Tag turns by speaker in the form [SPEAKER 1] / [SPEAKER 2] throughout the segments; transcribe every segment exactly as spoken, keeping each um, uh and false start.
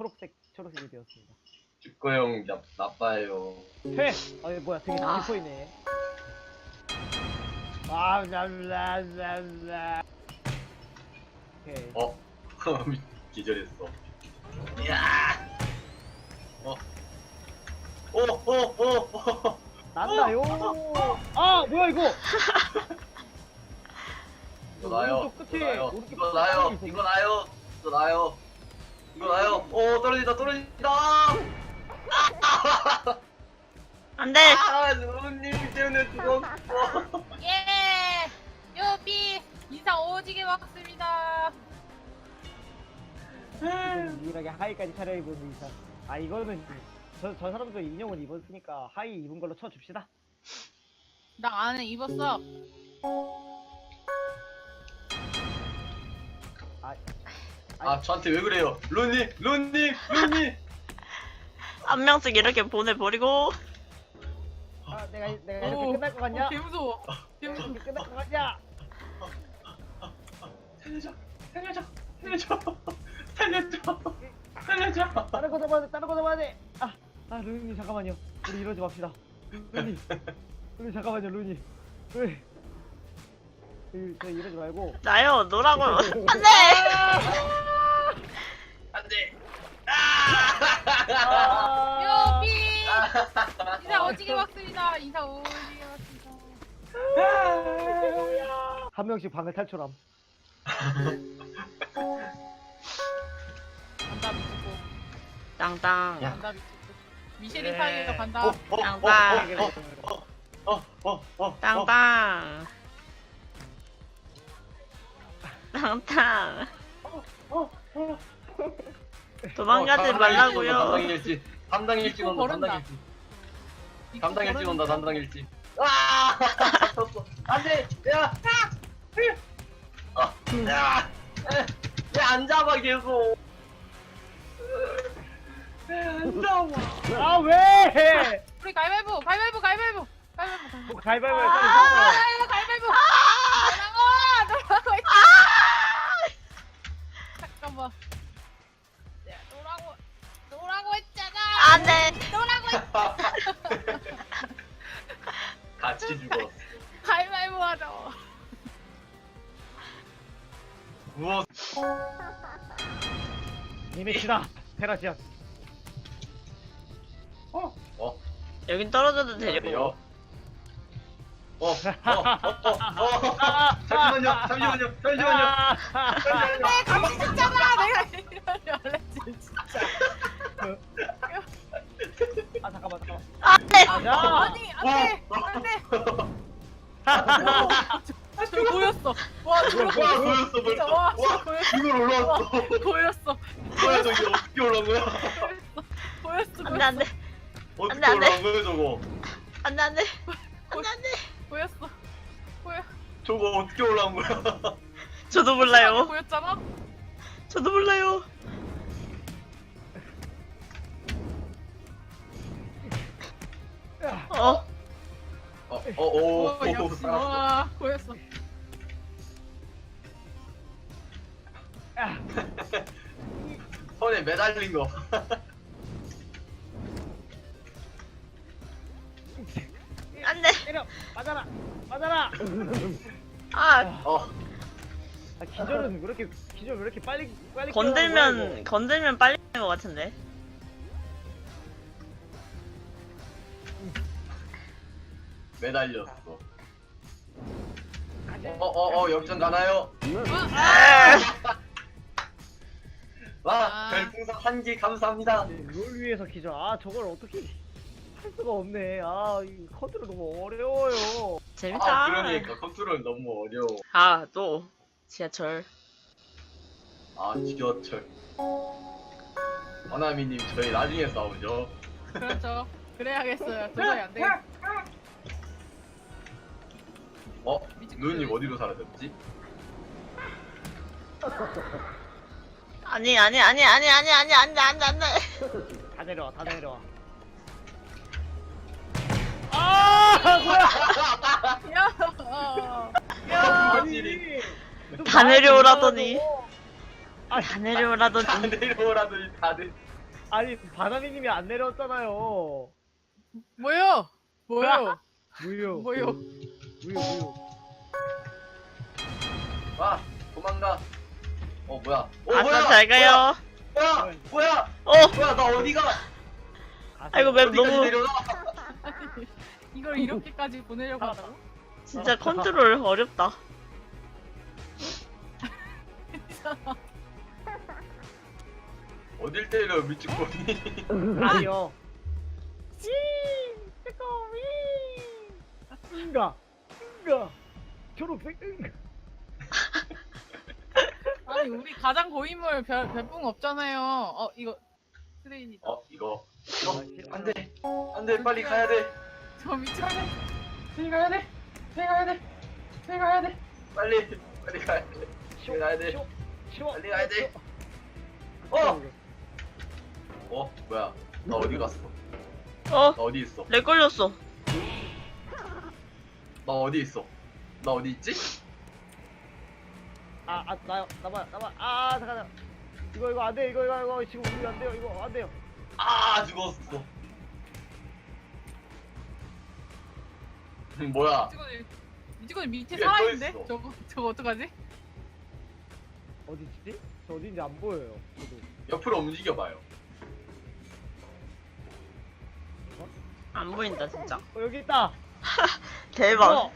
[SPEAKER 1] 초록색 초록색이 되었습니다.
[SPEAKER 2] 축구형 나, 나빠요.
[SPEAKER 1] 퇴! 아니 뭐야 되게
[SPEAKER 3] 아.
[SPEAKER 1] 깊어있네. 아, 랄랄랄라. 오케이.
[SPEAKER 2] 어? 기절했어. 이야! 어? 오, 오, 오, 오!
[SPEAKER 1] 난다요. 아 뭐야 이거?
[SPEAKER 2] 이거 나요.
[SPEAKER 1] 오른쪽
[SPEAKER 2] 이거
[SPEAKER 1] 끝에,
[SPEAKER 2] 나요.
[SPEAKER 1] 오른쪽
[SPEAKER 2] 이거 나요.
[SPEAKER 1] 끝에
[SPEAKER 2] 이거 나요. 이거 나요. 이거 나요. 오, 떨어진다, 떨어진다!
[SPEAKER 3] 안 돼!
[SPEAKER 2] 아, 누님 때문에 죽었어.
[SPEAKER 4] 예! 요비! 인상 오지게 먹습니다.
[SPEAKER 1] 이건 유일하게 하이까지 차려입은 의상. 아 이거는 저, 저 사람도 인형을 입었으니까 하이 입은 걸로 쳐줍시다.
[SPEAKER 4] 나 안에 입었어.
[SPEAKER 1] 아,
[SPEAKER 2] 아, 저한테 왜 그래요? 루님, 루님, 루님!
[SPEAKER 3] 한 명씩 이렇게 보내버리고.
[SPEAKER 1] 아 내가 내가 이렇게
[SPEAKER 4] 오,
[SPEAKER 1] 끝날 것 같냐?
[SPEAKER 4] 어, 개 무서워. 개 무서워.
[SPEAKER 1] 이렇게 끝날 것 같냐?
[SPEAKER 2] 살려줘, 살려줘, 살려줘, 살려줘, 살려줘.
[SPEAKER 1] 다른 거 잡아야 돼, 다른 거 잡아야 돼. 아, 아 루님 잠깐만요. 우리 이러지 맙시다. 루님, 루님 잠깐만요, 루님. 왜? 저 이러지 말고.
[SPEAKER 3] 나요, 노라고. 안 돼!
[SPEAKER 2] 안 돼.
[SPEAKER 1] 아,
[SPEAKER 4] 요비! 인상 오지게 먹습니다. 인상 오지게 먹습니다.
[SPEAKER 1] 한 명씩 방을 탈출함.
[SPEAKER 4] 간다 미치고.
[SPEAKER 3] 땅땅.
[SPEAKER 2] 야.
[SPEAKER 4] 간다 미치고. 미셸이
[SPEAKER 1] 네.
[SPEAKER 4] 파이가 간다.
[SPEAKER 2] 어, 어,
[SPEAKER 3] 양반.
[SPEAKER 2] 어, 어, 어, 어,
[SPEAKER 3] 땅땅. 땅땅. 도망가지 말라고요.
[SPEAKER 2] 담당 일지, 담당 일지 온다, 담당
[SPEAKER 4] 버른다.
[SPEAKER 2] 일지,
[SPEAKER 4] 입고
[SPEAKER 2] 담당 일지 온다,
[SPEAKER 4] 걸어놓자.
[SPEAKER 2] 담당 일지. 아, 잡혔어. 안 돼, 야, 아, 야, 왜안 잡아 계속? 왜안 잡아?
[SPEAKER 1] 아 왜?
[SPEAKER 4] 우리 가위바위보! 가위바위보! 가위바위보! 가위바위보! 가위바위보!
[SPEAKER 1] 뭐 가위바위보
[SPEAKER 4] 아,
[SPEAKER 1] 빨리
[SPEAKER 4] 가위바위보! 노라고! 노라고 했 잠깐만. 야, 노라고! 노라고 했잖아!
[SPEAKER 3] 안 돼!
[SPEAKER 4] 노라고 했
[SPEAKER 2] 같이 죽었어.
[SPEAKER 4] 가위바위보 하자.
[SPEAKER 2] 무엇?
[SPEAKER 1] 니미치다 테라시안.
[SPEAKER 2] 어? 어?
[SPEAKER 3] 여긴 떨어져도 되려고.
[SPEAKER 2] 돼요? 어, 어, 어, 어, 어, 잠시만요, 잠시만요, 잠시만요. 잠시만요.
[SPEAKER 4] 내 같이 죽잖아! 내가 이러려 원래 진짜.
[SPEAKER 1] 아 잠깐만 잠깐만.
[SPEAKER 3] 안 돼!
[SPEAKER 1] 야.
[SPEAKER 4] 아니, 안 돼! 안 돼! 저 보였어. 와, 저
[SPEAKER 2] 와,
[SPEAKER 4] 보였어.
[SPEAKER 2] 보였어,
[SPEAKER 4] 진짜,
[SPEAKER 2] 보였어.
[SPEAKER 4] 와,
[SPEAKER 2] 와,
[SPEAKER 4] 보였어.
[SPEAKER 2] 이걸 올라왔어.
[SPEAKER 4] 보였어.
[SPEAKER 2] 뭐야, 저기 어떻게 올라온 거야?
[SPEAKER 4] 보였어.
[SPEAKER 3] 안 돼, 안 돼.
[SPEAKER 2] 어떻게
[SPEAKER 3] 안 돼, 안 돼.
[SPEAKER 2] 올라온 거야, 저거?
[SPEAKER 3] 안 돼, 안 돼. 안 돼, 안 돼.
[SPEAKER 4] 보였어. 보여.
[SPEAKER 2] 저거 어떻게 올라온 거야?
[SPEAKER 3] 저도 몰라요.
[SPEAKER 4] 보였잖아?
[SPEAKER 3] 저도 몰라요. 어?
[SPEAKER 2] 어, 어, 오,
[SPEAKER 4] 어,
[SPEAKER 2] 오,
[SPEAKER 4] 역시.
[SPEAKER 2] 살았어.
[SPEAKER 4] 와, 보였어.
[SPEAKER 1] 야.
[SPEAKER 2] 손에 매달린 거.
[SPEAKER 3] 안 돼.
[SPEAKER 1] 때려 맞아라 맞아라.
[SPEAKER 3] 아,
[SPEAKER 2] 어,
[SPEAKER 1] 아, 기절은 왜 이렇게 기절 왜 이렇게 빨리 빨리
[SPEAKER 3] 건들면, 건들면 빨리 되는 것 같은데.
[SPEAKER 2] 매달렸어. 어, 어, 어, 역전 가나요? 와,
[SPEAKER 4] 아.
[SPEAKER 2] 별풍선 한 개 감사합니다.
[SPEAKER 1] 롤 위에서 기절. 아 저걸 어떻게 할 수가 없네. 아이 컨트롤 너무 어려워요.
[SPEAKER 3] 재밌다.
[SPEAKER 2] 아, 그러니까 컨트롤 너무 어려워.
[SPEAKER 3] 아, 또. 지하철.
[SPEAKER 2] 아, 지하철. 허나미님, 저희 나중에 싸우죠.
[SPEAKER 4] 그렇죠. 그래야겠어요. 도저히 안 돼.
[SPEAKER 2] 어? 누님 어디로 사라졌지?
[SPEAKER 3] 아니, 아니, 아니, 아니, 아니, 아니, 안 돼, 안 돼, 안 돼.
[SPEAKER 1] 다 내려와 다 내려와. 아 뭐야?
[SPEAKER 4] 야, 어.
[SPEAKER 1] 야
[SPEAKER 2] 아니,
[SPEAKER 1] 좀
[SPEAKER 3] 다
[SPEAKER 1] 많이
[SPEAKER 3] 내려오라더니.
[SPEAKER 1] 올라가고. 아
[SPEAKER 3] 다 내려오라더니.
[SPEAKER 2] 다 내려오라더니 다들.
[SPEAKER 1] 아니 바나미님이 안 내려왔잖아요.
[SPEAKER 4] 뭐요? 뭐요?
[SPEAKER 1] 무효.
[SPEAKER 4] 뭐요?
[SPEAKER 1] 무효 무효.
[SPEAKER 2] 와 도망가. 어 뭐야? 어
[SPEAKER 3] 아싸
[SPEAKER 2] 뭐야?
[SPEAKER 3] 잘 가요.
[SPEAKER 2] 뭐야? 뭐야?
[SPEAKER 3] 어
[SPEAKER 2] 뭐야? 나 어디가?
[SPEAKER 3] 아이고 맵
[SPEAKER 2] 어디까지
[SPEAKER 3] 너무
[SPEAKER 2] 내려가?
[SPEAKER 4] 이걸 이렇게까지 보내려고 한다고?
[SPEAKER 3] 진짜 컨트롤 어렵다.
[SPEAKER 2] 어딜 때려 미치코니?
[SPEAKER 1] 아니요. 씨. 뜨거위. 응가. 응가. 초록색 응가.
[SPEAKER 4] 아니 우리 가장 고인물 별 별풍 없잖아요. 어 이거 트레인이다.
[SPEAKER 2] 어 이거 이거 안돼 안돼 빨리 가야 돼.
[SPEAKER 4] 저 미쳐야
[SPEAKER 2] 빨리 가야 돼. 빨리 가야 돼. 빨리 가야 돼. 빨리 빨리 가야 돼. 빨리 가야 돼.
[SPEAKER 1] 치워. 치워.
[SPEAKER 2] 빨리 가야 돼. 어. 어 뭐야? 나 어디 갔어?
[SPEAKER 3] 어
[SPEAKER 2] 나 어디 있어?
[SPEAKER 3] 렉 걸렸어.
[SPEAKER 2] 나 어디 있어? 나 어디 있지?
[SPEAKER 1] 아, 아, 나요, 나봐, 나봐. 아, 잠깐만. 이거, 이거 안 돼, 이거, 이거, 이거 지금 우리 안 돼요, 이거 안 돼요.
[SPEAKER 2] 아 죽었어. 음, 뭐야?
[SPEAKER 4] 미치고는 미치고는 밑에
[SPEAKER 2] 위에
[SPEAKER 4] 살아있는데?
[SPEAKER 2] 떠있어.
[SPEAKER 4] 저거 저거 어떡하지?
[SPEAKER 1] 어디 있지? 저 어디인지 안 보여요. 저도.
[SPEAKER 2] 옆으로 움직여봐요.
[SPEAKER 3] 안 보인다 진짜.
[SPEAKER 1] 어, 여기 있다.
[SPEAKER 3] 대박.
[SPEAKER 1] 어,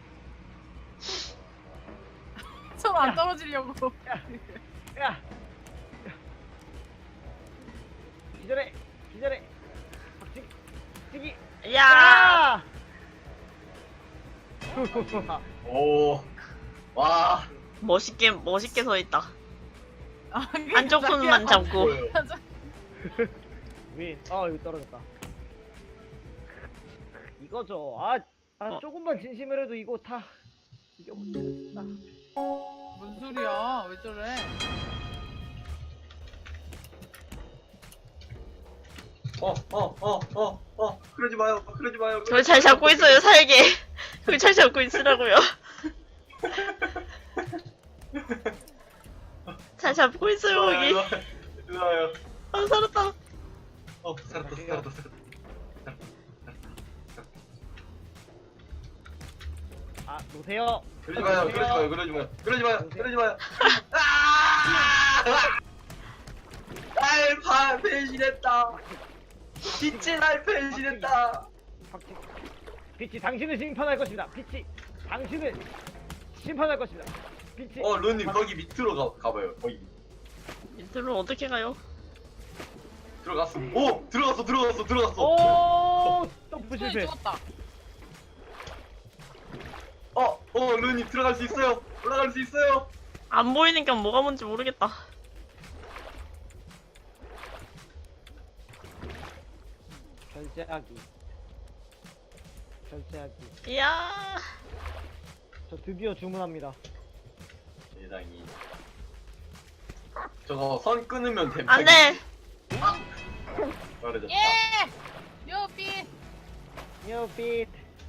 [SPEAKER 4] 서로 안 떨어지려고.
[SPEAKER 1] 야, 야. 기절해, 기절해. 박치기, 박치기.
[SPEAKER 3] 야.
[SPEAKER 1] 야.
[SPEAKER 2] 오. 와.
[SPEAKER 3] 멋있게 멋있게 서 있다.
[SPEAKER 4] 아,
[SPEAKER 3] 한쪽 손만 잡고.
[SPEAKER 2] 보여요.
[SPEAKER 1] 윈. 아, 여기 떨어졌다. 이거죠. 아, 아
[SPEAKER 3] 어.
[SPEAKER 1] 조금만 진심을 해도 이거 다 이겨버리겠다.
[SPEAKER 4] 뭔 소리야? 왜 저래?
[SPEAKER 2] 어, 어, 어, 어, 어. 그러지 마요. 그러지 마요.
[SPEAKER 3] 저기 잘 잡고 있어요 살게. 저기 잘 잡고 있으라고요. 잘 잡고 있어요 거기.
[SPEAKER 2] 좋아요.
[SPEAKER 3] 아 살았다.
[SPEAKER 2] 어, 살았다, 살았다, 살았다.
[SPEAKER 1] 아, 노세요.
[SPEAKER 2] 그러지 마요. 그러지 마요. 그러지 마요. 그러지 마요. 그러지 마요. 아! 날 배신했다. 빛이 날 배신했다.
[SPEAKER 1] 박치. 빛이 당신을 심판할 것입니다. 빛이 당신을 심판할 것입니다. 빛이.
[SPEAKER 2] 어, 루님 거기 밑으로 가 가봐요. 거기
[SPEAKER 3] 밑으로 어떻게 가요?
[SPEAKER 2] 들어갔어. 오, 들어갔어, 들어갔어, 들어갔어.
[SPEAKER 1] 오, 점프
[SPEAKER 4] 손이
[SPEAKER 1] 실패.
[SPEAKER 4] 죽었다.
[SPEAKER 2] 어, 어, 루님 들어갈 수 있어요. 올라갈 수 있어요.
[SPEAKER 3] 안 보이니까 뭐가 뭔지 모르겠다.
[SPEAKER 1] 결제하기. 결제하기.
[SPEAKER 3] 이야.
[SPEAKER 1] 저 드디어 주문합니다.
[SPEAKER 2] 세상이. 저거 선 끊으면 됨.
[SPEAKER 3] 안 돼.
[SPEAKER 2] 떨어졌다.
[SPEAKER 4] 예! 요삐!
[SPEAKER 1] 뉴 빛.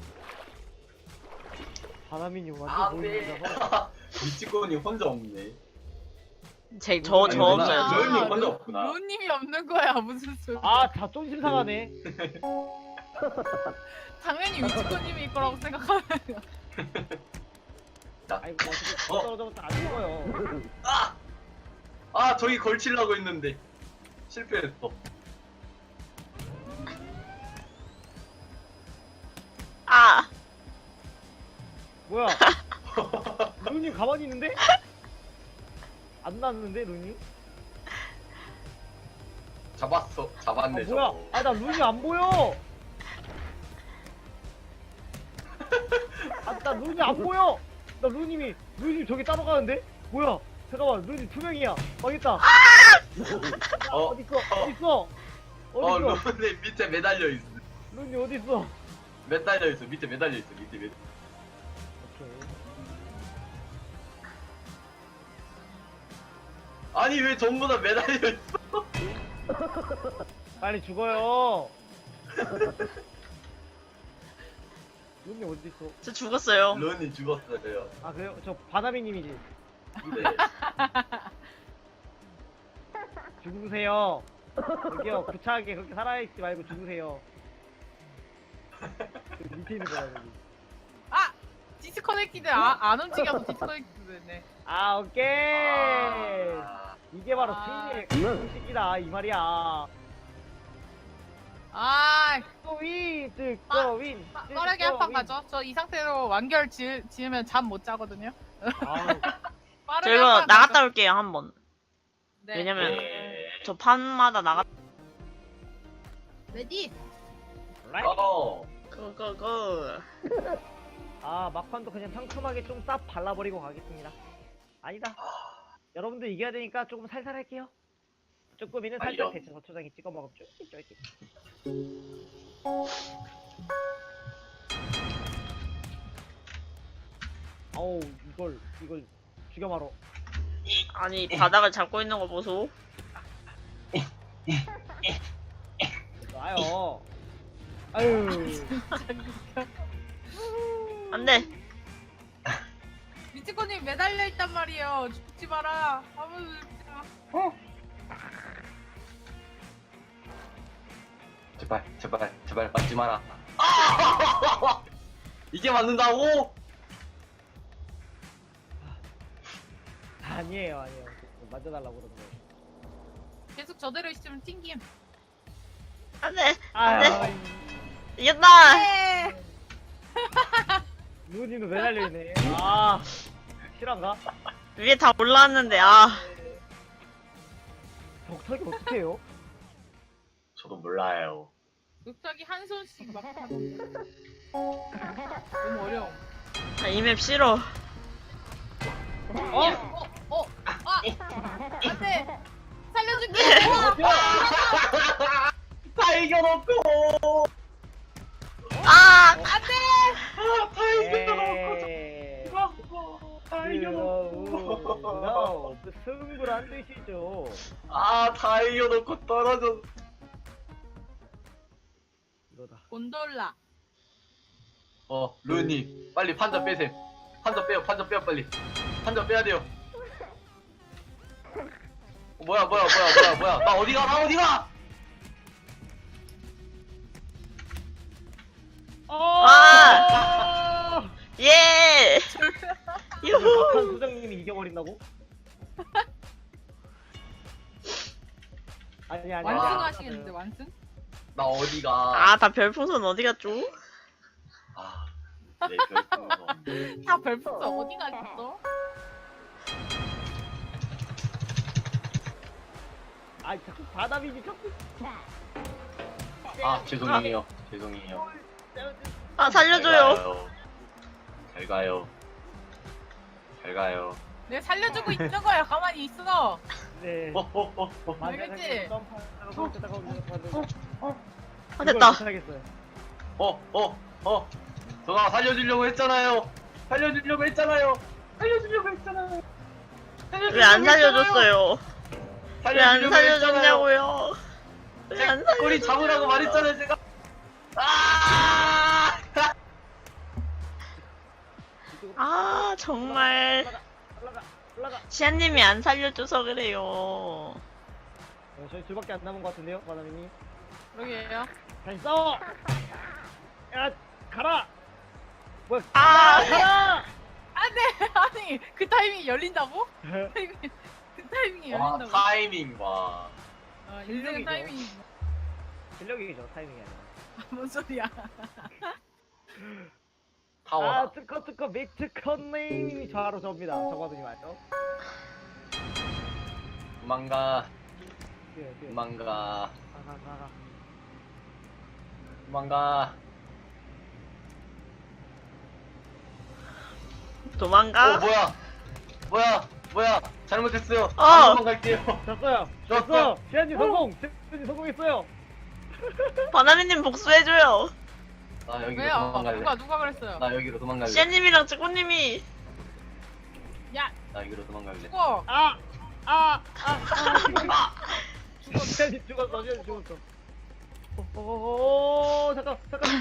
[SPEAKER 1] 바람이니 완전
[SPEAKER 2] 안
[SPEAKER 1] 보이는데서.
[SPEAKER 2] 돼. 미치코니 혼자 없네.
[SPEAKER 3] 제저저
[SPEAKER 2] 아니,
[SPEAKER 3] 없어요.
[SPEAKER 2] 저 형님
[SPEAKER 4] 루-
[SPEAKER 2] 혼자 없구나.
[SPEAKER 4] 루님이 없는 거야 무슨 소리?
[SPEAKER 1] 아, 다 쫀심 상하네.
[SPEAKER 4] 당연히 위치코님이 일 거라고 생각하면.
[SPEAKER 1] 아이고, 어떻게
[SPEAKER 2] 어.
[SPEAKER 1] 떨어져서 안 죽어요.
[SPEAKER 2] 아! 아, 저기 걸치려고 했는데 실패했어.
[SPEAKER 3] 아.
[SPEAKER 1] 뭐야? 루님 가만히 있는데? 안 났는데 루님?
[SPEAKER 2] 잡았어. 잡았네.
[SPEAKER 1] 아 뭐야?
[SPEAKER 2] 저거.
[SPEAKER 1] 아 나 루님 안 보여. 아 나 루님 안 보여. 나 루님이 루님 저기 따로 가는데? 뭐야? 잠깐만 루님 두 명이야. 망했다.
[SPEAKER 2] 어,
[SPEAKER 1] 어디 있어? 어디 있어?
[SPEAKER 2] 어,
[SPEAKER 1] 어디 있어?
[SPEAKER 2] 루님 밑에 매달려 있어.
[SPEAKER 1] 루님 어디 있어?
[SPEAKER 2] 매달려 있어. 밑에 매달려 있어. 밑에 매.
[SPEAKER 1] 오케이.
[SPEAKER 2] 아니 왜 전부 다 매달려 있어?
[SPEAKER 1] 빨리 죽어요. 루님 어디 있어?
[SPEAKER 3] 저 죽었어요.
[SPEAKER 2] 루님 죽었어요.
[SPEAKER 1] 아 그래요? 저 바나미님이지.
[SPEAKER 2] 네.
[SPEAKER 1] 죽으세요. 여기요, 구차하게 그렇게 살아있지 말고 죽으세요. 그 밑에 있는 거야, 여기.
[SPEAKER 4] 아 디스커넥티드 아, 안 움직여서 디스커넥티드 됐네.
[SPEAKER 1] 아, 오케이.
[SPEAKER 2] 아,
[SPEAKER 1] 이게 바로
[SPEAKER 4] 아.
[SPEAKER 1] 승리의 공식이다, 이 말이야.
[SPEAKER 4] 아
[SPEAKER 1] 윈, 득,
[SPEAKER 4] 빠-
[SPEAKER 1] 고, 윈.
[SPEAKER 4] 빠-
[SPEAKER 1] 득,
[SPEAKER 4] 빠르게
[SPEAKER 1] 고,
[SPEAKER 4] 한 판
[SPEAKER 1] 윈.
[SPEAKER 4] 가죠. 저 이 상태로 완결 지, 지으면 잠 못 자거든요.
[SPEAKER 1] 아우,
[SPEAKER 4] 빠르게
[SPEAKER 3] 저 이거
[SPEAKER 4] 한판
[SPEAKER 3] 나갔다
[SPEAKER 4] 가죠.
[SPEAKER 3] 올게요 한번.
[SPEAKER 4] 네.
[SPEAKER 3] 왜냐면
[SPEAKER 2] 예.
[SPEAKER 3] 저 판마다 나갔.
[SPEAKER 4] 레디.
[SPEAKER 1] 라이.
[SPEAKER 2] 고!
[SPEAKER 3] 고고고.
[SPEAKER 1] 아, 막판도 그냥 상큼하게 좀 싹 발라버리고 가겠습니다. 아니다. 여러분들 이겨야 되니까 조금 살살 할게요. 쭈꾸미는 살짝
[SPEAKER 2] 아니요.
[SPEAKER 1] 데쳐서 초장에 찍어 먹으면 쫄깃쫄깃. 어우, 이걸, 이걸 죽여 말어.
[SPEAKER 3] 아니 바닥을 잡고 있는 거 보소.
[SPEAKER 1] 놔요. 아유.
[SPEAKER 3] 안돼.
[SPEAKER 4] 미치코님 매달려 있단 말이에요. 죽지 마라. 아무도 죽지 마.
[SPEAKER 2] 제발, 제발, 제발 맞지 마라. 아! 이게 맞는다고?
[SPEAKER 1] 아니에요, 아니에요. 만져달라고 그러는 거예요.
[SPEAKER 4] 계속 저대로 있으면 튕김.
[SPEAKER 3] 안돼.
[SPEAKER 1] 아유,
[SPEAKER 3] 이겼다.
[SPEAKER 4] 네.
[SPEAKER 1] 누님도 매달려 있네. 아, 실화인가?
[SPEAKER 3] 위에 다 올라왔는데 아.
[SPEAKER 1] 덕탁이 어떻게 해요?
[SPEAKER 2] 저도 몰라요.
[SPEAKER 4] 늑탁이 한 손씩 막 하는. 너무 어려워.
[SPEAKER 3] 아, 이 맵 싫어.
[SPEAKER 1] 어?
[SPEAKER 4] 어, 어, 아, 안돼. 살려줄게.
[SPEAKER 2] 다 이겨놓고!
[SPEAKER 3] 아.
[SPEAKER 2] 아, 다 이겨놓고!
[SPEAKER 1] 에이.
[SPEAKER 2] 다 이겨놓고!
[SPEAKER 1] 그거 그 승부를 안 드시죠.
[SPEAKER 2] 아, 다 이겨놓고 떨어져.
[SPEAKER 1] 이거다.
[SPEAKER 4] 곤돌라.
[SPEAKER 2] 어, 루님, 빨리 판자 빼셈. 판자 빼요, 판자 빼요, 빨리. 판자 빼야 돼요. 어, 뭐야, 뭐야, 뭐야, 뭐야, 뭐야. 나 어디가, 나 어디가!
[SPEAKER 1] 아!
[SPEAKER 3] 예.
[SPEAKER 1] 박한
[SPEAKER 3] 유후.
[SPEAKER 1] 소장님이 이겨버린다고? 아니 아니.
[SPEAKER 4] 완승하시겠는데 완승?
[SPEAKER 2] 나 어디가.
[SPEAKER 3] 아 다 별풍선 어디 갔죠?
[SPEAKER 2] 아, 내 별풍선.
[SPEAKER 4] 다 별풍선 어디 가겠어?
[SPEAKER 1] 아 자꾸 바다비니 자꾸.
[SPEAKER 2] 아, 죄송해요. 죄송해요.
[SPEAKER 3] 아
[SPEAKER 2] 잘
[SPEAKER 3] 살려줘요.
[SPEAKER 2] 가요. 잘 가요. 잘 가요.
[SPEAKER 4] 내가 살려주고 있는 거야. 가만히 있어.
[SPEAKER 1] 네.
[SPEAKER 2] 어, 어, 어, 어.
[SPEAKER 4] 알겠지?
[SPEAKER 3] 아 됐다.
[SPEAKER 1] 하겠어요.
[SPEAKER 2] 어, 어, 어. 저가 살려주려고 했잖아요. 살려주려고 했잖아요. 살려주려고 했잖아요.
[SPEAKER 3] 왜 안 살려줬어요? 왜 안
[SPEAKER 2] 살려주려고 했잖아요.
[SPEAKER 3] 살려줬냐고요? 왜 안 살려?
[SPEAKER 2] 꼬리 잡으라고 말했잖아요, 제가. 아!
[SPEAKER 3] 아 정말
[SPEAKER 1] 올라가 올라가.
[SPEAKER 3] 시안님이 안 살려줘서 그래요.
[SPEAKER 1] 어, 저희 둘밖에 안 남은 것 같은데요, 바다비니.
[SPEAKER 4] 여기에요.
[SPEAKER 1] 다시 싸워. 야 가라. 뭐야?
[SPEAKER 3] 아.
[SPEAKER 1] 가라.
[SPEAKER 4] 안돼. 아니 그 타이밍이 열린다고? 타이밍, 그 타이밍이
[SPEAKER 2] 와,
[SPEAKER 4] 열린다고?
[SPEAKER 2] 타이밍 봐.
[SPEAKER 4] 어, 인생
[SPEAKER 1] 실력이죠.
[SPEAKER 4] 타이밍이.
[SPEAKER 1] 실력이죠, 타이밍이 아니라.
[SPEAKER 4] 뭔 소리야?
[SPEAKER 2] 타워다.
[SPEAKER 1] 아, 특허 특허 미트컨님이 저하로 접니다. 저거든요, 맞죠?
[SPEAKER 2] 도망가.
[SPEAKER 1] 뛰어, 뛰어.
[SPEAKER 2] 도망가.
[SPEAKER 1] 가, 가, 가, 가.
[SPEAKER 2] 도망가.
[SPEAKER 3] 도망가.
[SPEAKER 2] 어, 뭐야? 뭐야? 뭐야? 잘못했어요.
[SPEAKER 3] 어.
[SPEAKER 2] 안 도망갈게요.
[SPEAKER 1] 졌어요.
[SPEAKER 2] 졌어.
[SPEAKER 1] 졌어. 시안님 성공. 시안님 성공했어요.
[SPEAKER 3] 바나미님 복수해줘요.
[SPEAKER 2] 나 여기로
[SPEAKER 4] 왜요?
[SPEAKER 2] 도망갈래.
[SPEAKER 4] 누가 누가 그랬어요?
[SPEAKER 2] 나 여기로 도망갈래.
[SPEAKER 3] 시안님이랑 쭈꾸님이
[SPEAKER 4] 야
[SPEAKER 2] 나 여기로 도망갈래.
[SPEAKER 4] 죽어.
[SPEAKER 1] 아, 아, 아, 아.
[SPEAKER 4] 죽어.
[SPEAKER 1] 시안님 죽었어. 시안님 죽었어. 오, 오, 오, 잠깐, 잠깐.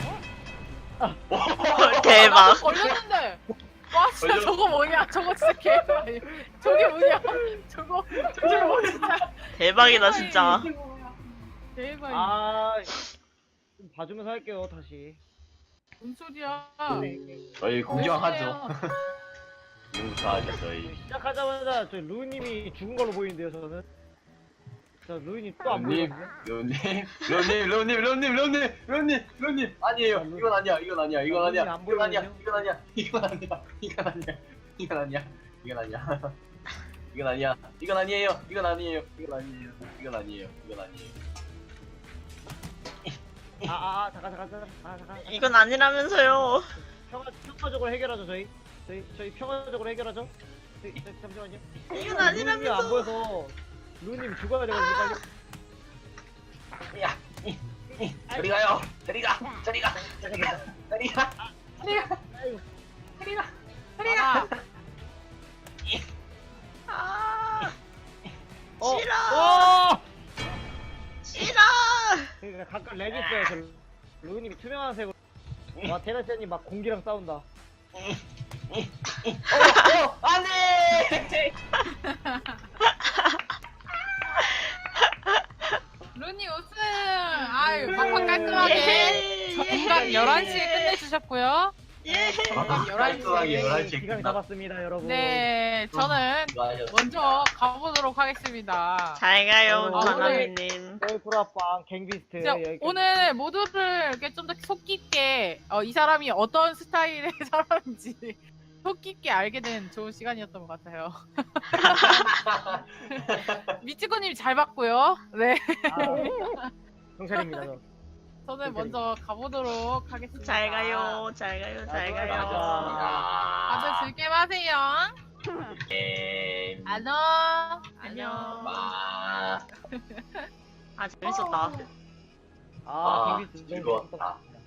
[SPEAKER 3] 대박.
[SPEAKER 4] 나도 걸렸는데. 와 진짜
[SPEAKER 2] 걸려.
[SPEAKER 4] 저거 뭐냐? 저거 진짜 개발. 저게 뭐냐? 저거 저거 뭐 진짜
[SPEAKER 3] 대박이다 진짜.
[SPEAKER 4] 대박.
[SPEAKER 1] 아, 좀 봐주면서 할게요 다시.
[SPEAKER 4] 뭔 소리야?
[SPEAKER 2] 저희 공정하죠.
[SPEAKER 4] 멋있네요.
[SPEAKER 2] 지금부터 하죠 저희.
[SPEAKER 1] 시작하자마자 저 루님이 죽은 걸로 보이는데요 저는. 저 루님 또 안
[SPEAKER 2] 론님,
[SPEAKER 1] 보이거든요.
[SPEAKER 2] 론님, 론님, 론님, 론님, 론님, 론님, 론님, 아니에요. 이건 아니야, 이건 아니야, 이건 아니야,
[SPEAKER 1] 론님 안
[SPEAKER 2] 이건 아니야,
[SPEAKER 1] 보이거든요.
[SPEAKER 2] 이건 아니야, 이건 아니야, 이건 아니야, 이건 아니야, 이건 아니야, 이건 아니야, 이건 아니에요, 이건 아니에요, 이건 아니에요, 이건 아니에요, 이건 아니에요.
[SPEAKER 1] 아, 아, 아, 잠깐, 잠깐, 잠깐, 아, 잠깐.
[SPEAKER 3] 이건 아니라면서요.
[SPEAKER 1] 평화, 평화적으로 해결하죠, 저희. 저희, 저희 평화적으로 해결하죠. 저희, 저, 잠시만요.
[SPEAKER 3] 이건
[SPEAKER 1] 루님이 안
[SPEAKER 3] 아니라면서.
[SPEAKER 1] 보여서 루님 죽어야 되거든요, 빨리.
[SPEAKER 2] 야, 이, 이, 저리 가요, 저리 가, 저리 가, 저리 가, 저리 가, 저리 가,
[SPEAKER 1] 아이고.
[SPEAKER 2] 저리 가.
[SPEAKER 4] 아,
[SPEAKER 3] 아
[SPEAKER 1] 어,
[SPEAKER 3] 싫어.
[SPEAKER 1] 어!
[SPEAKER 3] 싫어.
[SPEAKER 1] 그러니까 가끔 렉 있어요, 저 루님이 투명한 색으로. 와, 테라스님 막 공기랑 싸운다.
[SPEAKER 2] 어, 어, 안 돼!
[SPEAKER 4] 루니 우승. 아유, 팍팍 깔끔하게.
[SPEAKER 3] 예.
[SPEAKER 4] 정각 열한 시에 끝내주셨고요.
[SPEAKER 3] 예.
[SPEAKER 4] 정각 열한 시.
[SPEAKER 2] 깔끔하게 열한 시에
[SPEAKER 1] 기간이
[SPEAKER 2] 끝나.
[SPEAKER 1] 잡았습니다, 여러분.
[SPEAKER 4] 네, 저는
[SPEAKER 2] 수고하셨습니다.
[SPEAKER 4] 먼저 가보도록 하겠습니다.
[SPEAKER 3] 잘 가요
[SPEAKER 1] 어,
[SPEAKER 3] 바나미님.
[SPEAKER 1] 저희 프라빵 갱비스트.
[SPEAKER 4] 진짜
[SPEAKER 1] 여기까지.
[SPEAKER 4] 오늘 모두를 이렇게 좀 더 속 깊게 어, 이 사람이 어떤 스타일의 사람인지 속 깊게 알게 된 좋은 시간이었던 것 같아요. 미치코님 잘 봤고요. 네,
[SPEAKER 1] 아, 경찰입니다, 저.
[SPEAKER 4] 저는 먼저 가보도록 하겠습니다.
[SPEAKER 3] 잘 가요. 잘 가요. 잘 가요.
[SPEAKER 4] 다들 즐게 마세요.
[SPEAKER 2] 예.
[SPEAKER 4] 안녕.
[SPEAKER 3] 안녕.
[SPEAKER 2] 와.
[SPEAKER 3] 아 재밌었다.
[SPEAKER 1] 아,
[SPEAKER 2] 아,
[SPEAKER 1] 갱비스트. 너무
[SPEAKER 2] 즐거웠다.
[SPEAKER 1] 재밌었습니다.